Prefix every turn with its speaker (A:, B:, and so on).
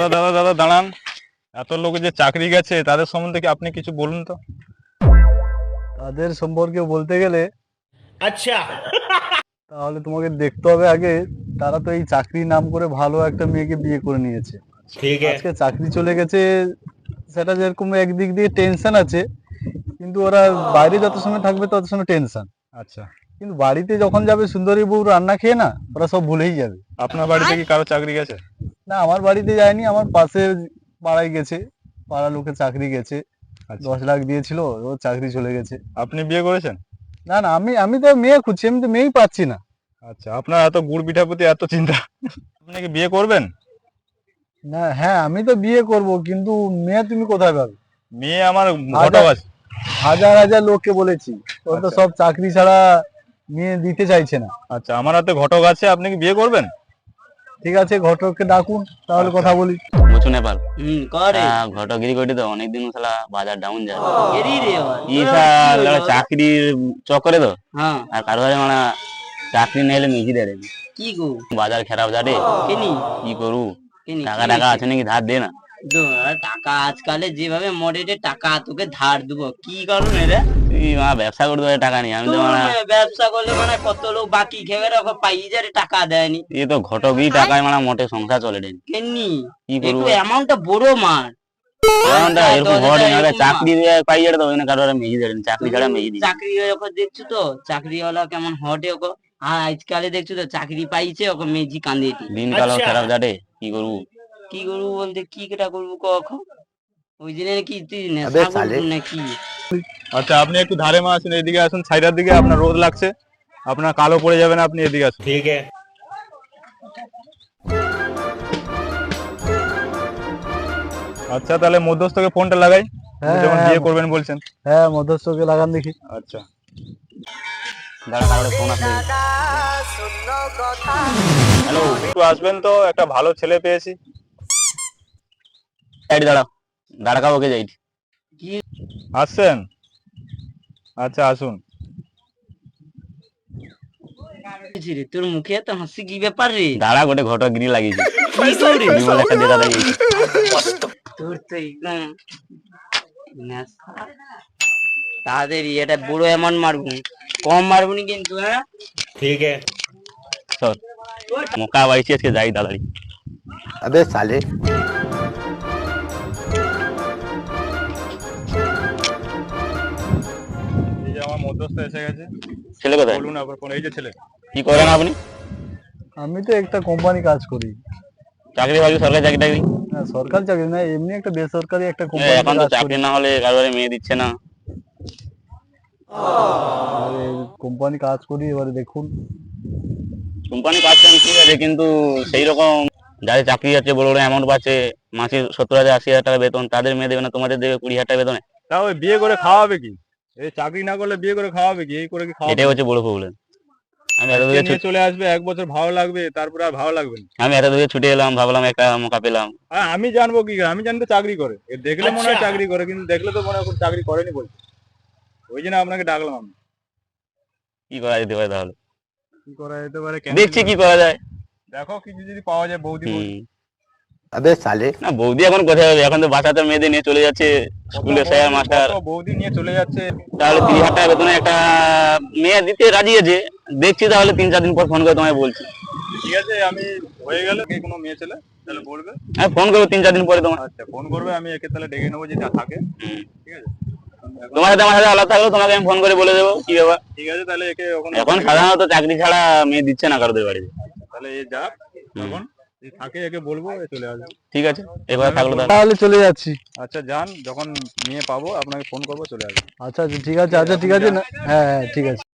A: দাদা দাদা দাঁড়ান। এত লোক যে চাকরি গেছে তাদের সম্বন্ধে কি আপনি কিছু বলুন তো।
B: তাদের সম্পর্কে বলতে গেলে
C: अच्छा।
B: তাহলে তোমাকে দেখতে হবে আগে তারা তো এই চাকরি নাম করে ভালো একটা মেয়েকে বিয়ে করে নিয়েছে।
C: ठीक है।
B: আজকে চাকরি চলে গেছে, সেটা যেরকম একদিক দিয়ে টেনশন আছে, কিন্তু ওরা বাইরে যত সময় থাকবে তত সময় টেনশন।
A: আচ্ছা,
B: কিন্তু বাড়িতে যখন যাবে সুন্দরী বউ রান্না খেয়ে, না ওরা সব ভুলেই যাবে।
A: আপনার বাড়িতে কি কারো চাকরি গেছে?
B: না, আমার বাড়িতে যায়নি, আমার পাশের পাড়ায় গেছে, পাড়া লোকের চাকরি গেছে।
A: আচ্ছা,
B: 10 লাখ দিয়েছিল, ও চাকরি চলে গেছে।
A: আপনি বিয়ে করেছেন?
B: না না, আমি আমি তো মেয়ে খুঁজছি, আমি তো মেয়েই পাচ্ছি না।
A: আচ্ছা, আপনার এত গুড় পিঠার প্রতি এত চিন্তা, আপনি কি বিয়ে করবেন?
B: না, হ্যাঁ আমি তো বিয়ে করব, কিন্তু মেয়ে তুমি কোথায় পাবে?
A: মেয়ে আমার ঘটক
B: হাজার
A: আছে।
B: হাজার হাজার লোককে বলেছি, ওরা তো
A: আচ্ছা।
B: সব চাকরি ছাড়া মেয়ে দিতে চাইছে না।
A: আচ্ছা, আমার হাতে ঘটক আছে, আপনি কি বিয়ে করবেন?
B: ঠিক আছে, ঘটককে ডাকুন, তাহলে
A: আচ্ছা।
B: কথা বলি।
D: মুচু নেপাল
E: করে
D: ঘটগিরি করি তো অনেকদিন শালা বাজার ডাউন যায়
E: এরি রে আবার।
D: ই
E: তোরা কি হইলো?
D: চাকরির চক্করে তো
E: হ্যাঁ
D: আর কারো কাছে মানে চাকরি নিলে মিজি দেয়
E: কি গো
D: বাজার খারাপ যাবে
E: কেনি
D: কি করু
E: কেনি
D: টাকা টাকা আছে নাকি ধার দে না
E: টাকা আজকালে যেভাবে মডেলে টাকা তোকে ধার দেবো কি কারণে রে?
D: তুই ব্যবসা করতে পারে টাকা নেই আমি তো
E: তুই ব্যবসা করলে মানে কত লোক বাকি খেয়ে রাখো পাই যারে টাকা দেয়নি
D: এই তো ঘটকই টাকায় মানে মোটে সংসার চলে দেন
E: কেনি
D: কি করবো?
E: একটু অ্যামাউন্টটা বড় মার।
D: এরকম ঘটে না
E: এরকম
D: চাকরি পাই যাবে তো ওখানে কারো মেজি দেন চাকরি ছাড়া মেজি দিই
E: চাকরি ওকে দেখছো তো চাকরিওয়ালা কেমন হটে ওকে। আর আজকালে দেখছো তো চাকরি পাইছে ওকে মেজি কান্দে
D: দিন কালো খারাপ যাবে কি করবো?
E: কি করবো বলতে কি কেটা করবো কখন ওই দিনে কি তুই নেশা করবো নাকি?
A: আচ্ছা, আপনি একটু ধারে মা আসুন, এদিকে আসুন, সাইডের দিকে, আপনার রোদ লাগছে, আপনার কালো পড়ে যাবে না, আপনি এদিকে আসুন।
C: ठीक है।
A: আচ্ছা, তাহলে মধ্যস্থকে ফোনটা লাগাই,
B: হ্যাঁ,
A: যখন
B: হ্যাঁ।
A: বিয়ে করবেন বলছেন।
B: হ্যাঁ, মধ্যস্থকে লাগান দেখি।
A: আচ্ছা,
D: দাঁড়া কারোর ফোন আসবে হ্যালো
A: একটু আসবেন তো, একটা ভালো ছেলে পেয়েছি।
D: সাইড দাঁড়াও দাঁড়া কাবো কে যাই
A: আসছেন? আচ্ছা, আসুন।
E: বলছি রে, তোর মুখে এত হাসি কি ব্যাপার রে?
D: দাঁড়া গোটে ঘটগিরি লাগিয়েছি
E: কি করে?
D: বিমল একটা দেখা লাগিয়েছি
E: তোর তো একদম নেশা। তাড়াতাড়ি এটা বুড়ো এমন মারবো, কম মারবো নি কিন্তু। হ্যাঁ
C: ठीक है।
D: চল মোকা বাইছি আজকে যাই দাঁড়াই
F: अबे साले
A: এই যে আমার মধ্যস্থ এসে গেছে,
D: ছেলে কোথায়
A: বলুন আবার কোন, এই যে ছেলে।
D: কি করেন আপনি?
B: আমি তো একটা কোম্পানি কাজ করি।
D: চাকরি বাকরি সরকারি চাকরি টাকরি?
B: না, সরকারি চাকরি না, এমনি একটা বেসরকারি একটা
D: এখন
B: কোম্পানি
D: তো
B: কাজ করি।
D: চাকরি না হলে কারোর মেয়ে দিচ্ছে না
B: কোম্পানি কাজ করি, এবারে দেখুন।
D: কোম্পানি কাজ কাম ঠিক আছে কিন্তু সেই রকম যাদের চাকরি আছে বড় বড় অ্যামাউন্ট পাচ্ছে মাসে 70,000 80,000 টাকা বেতন, তাদের মেয়ে দেবে না, তোমাদের দেবে 20,000 টাকা বেতনে।
A: তাও ওই বিয়ে করে খাওয়াবে কি? এই চাকরি না করলে বিয়ে করে খাওয়াবে কি? এই করে কি খাওয়াবে?
D: এটাই হচ্ছে বড় প্রবলেম। আমি এত দূরে
A: নিয়ে চলে আসবে, 1 বছর ভালো লাগবে, তারপরে আর ভালো লাগবে না।
D: আমি এত দূরে ছুটে এলাম, ভাবলাম একটা মৌকা পেলাম।
A: আর আমি জানবো কি করে? আমি জানি তো চাকরি করে, এ দেখলে মনে হয়
C: আচ্ছা।
A: চাকরি করে, কিন্তু দেখলে তো মনে হয় কোনো চাকরি করেনি বলছে। ওই জন্য আপনাকে ডাকলাম আমি।
D: কি করা যেতে পারে তাহলে?
A: কি করা যেতে পারে?
D: দেখছি কি করা যায়।
A: দেখো কিছু যদি পাওয়া যায়, বৌদি বৌদি।
F: अबे साले
D: না বৌদি এখন কোথায় হবে, এখন তো বাচ্চাদের মেয়েদের নিয়ে চলে যাচ্ছে স্কুলে স্যার মাস্টার।
A: কত বৌদি নিয়ে চলে যাচ্ছে।
D: তাহলে 30,000 টাকা বেতনে একটা মেয়ে দিতে রাজি আছে, দেখছি তাহলে 3-4 দিন পর ফোন করে তোমায় বলছি।
A: ঠিক আছে, আমি হয়ে গেলে কে কোনো মেয়ে ছেলে তাহলে বলবে।
D: হ্যাঁ ফোন করবো 3-4 দিন পরে তোমার।
A: আচ্ছা, ফোন করবে, আমি একে তাহলে ডেকে নেবো যেটা থাকে। ঠিক আছে,
D: তোমার সাথে আমার সাথে আলাদা থাকলেও তোমাকে আমি ফোন করে বলে দেবো কি ব্যাপার।
A: ঠিক আছে, তাহলে একে
D: এখন সাধারণত চাকরি ছাড়া মেয়ে দিচ্ছে না কারোদের বাড়িতে।
A: তাহলে এ যাক, তখন যদি থাকে একে বলবো, এ চলে আসবে।
D: ঠিক আছে এবার থাকলো তাহলে।
B: তাহলে চলে যাচ্ছি।
A: আচ্ছা, যান, যখন মেয়ে পাবো আপনাকে ফোন করবো, চলে আসবে।
B: আচ্ছা আচ্ছা, ঠিক আছে, আচ্ছা ঠিক আছে না, হ্যাঁ হ্যাঁ ঠিক আছে।